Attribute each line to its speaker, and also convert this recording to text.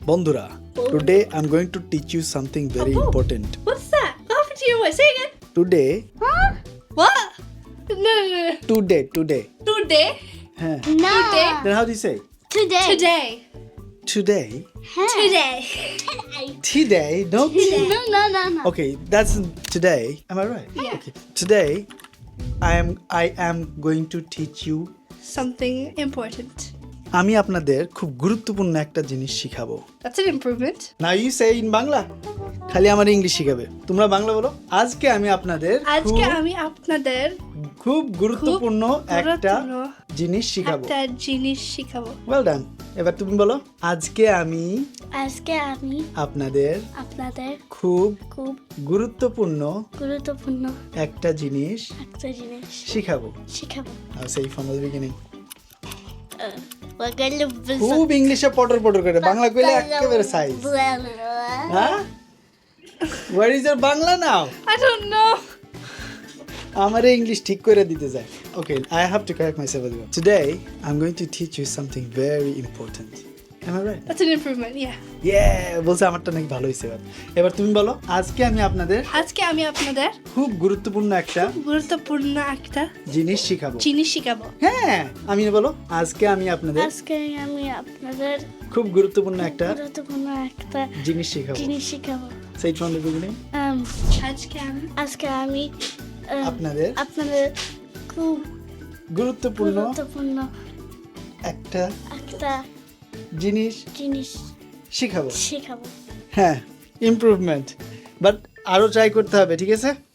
Speaker 1: বন্ধুরা, today I'm going to teach you something very important.
Speaker 2: What's that? What happened to your voice? Say again.
Speaker 1: Today,
Speaker 2: What? No.
Speaker 1: today.
Speaker 2: Today.
Speaker 1: হ্যাঁ।
Speaker 3: No.
Speaker 2: Today.
Speaker 1: Then how do you say?
Speaker 3: Today.
Speaker 2: Today.
Speaker 1: Today.
Speaker 2: Today.
Speaker 1: Today. No.
Speaker 3: No.
Speaker 1: Okay, that's today. Am I right?
Speaker 2: Yeah.
Speaker 1: Okay. Today, I am going to teach you.
Speaker 2: Something important.
Speaker 1: আমি আপনাদের খুব গুরুত্বপূর্ণ একটা জিনিস শিখাবো।
Speaker 2: That's an improvement.
Speaker 1: Now you say in Bangla. খালি আমার English শিখাবে। তোমরা বাংলা বলো। আজকে আমি আপনাদের
Speaker 2: আজকে আমি আপনাদের
Speaker 1: খুব গুরুত্বপূর্ণ একটা জিনিস শিখাবো।
Speaker 2: একটা জিনিস শিখাবো।
Speaker 1: Well done. এবার তুমি বলো। আজকে আমি আপনাদের খুব গুরুত্বপূর্ণ একটা জিনিস শিখাবো। Now say from the beginning. খুব ইংলিশে পটর করে বাংলা কইলে একেবারে সাইজ। হ্যাঁ? Where is your Bangla now?
Speaker 2: I don't know.
Speaker 1: আমার ইংলিশ ঠিক করে দিতে যায়। Okay, I have to correct myself as well. Today, I'm going to teach you something very important. Am I right?
Speaker 2: That's an improvement. Yeah.
Speaker 1: Yeah, বলছে আমারটা নাকি ভালো হয়েছে এবার তুমি বলো আজকে আমি আপনাদের খুব গুরুত্বপূর্ণ একটা জিনিস শিখাবো হ্যাঁ আমি বলো আজকে আমি আপনাদের খুব গুরুত্বপূর্ণ একটা জিনিস শিখাবো Say it from the beginning.
Speaker 3: আজকে আমি
Speaker 1: আপনাদের
Speaker 3: খুব
Speaker 1: গুরুত্বপূর্ণ একটা জিনিস শিখাবো
Speaker 3: শিখাবো
Speaker 1: হ্যাঁ ইমপ্রুভমেন্ট বাট আরো ট্রাই করতে হবে ঠিক আছে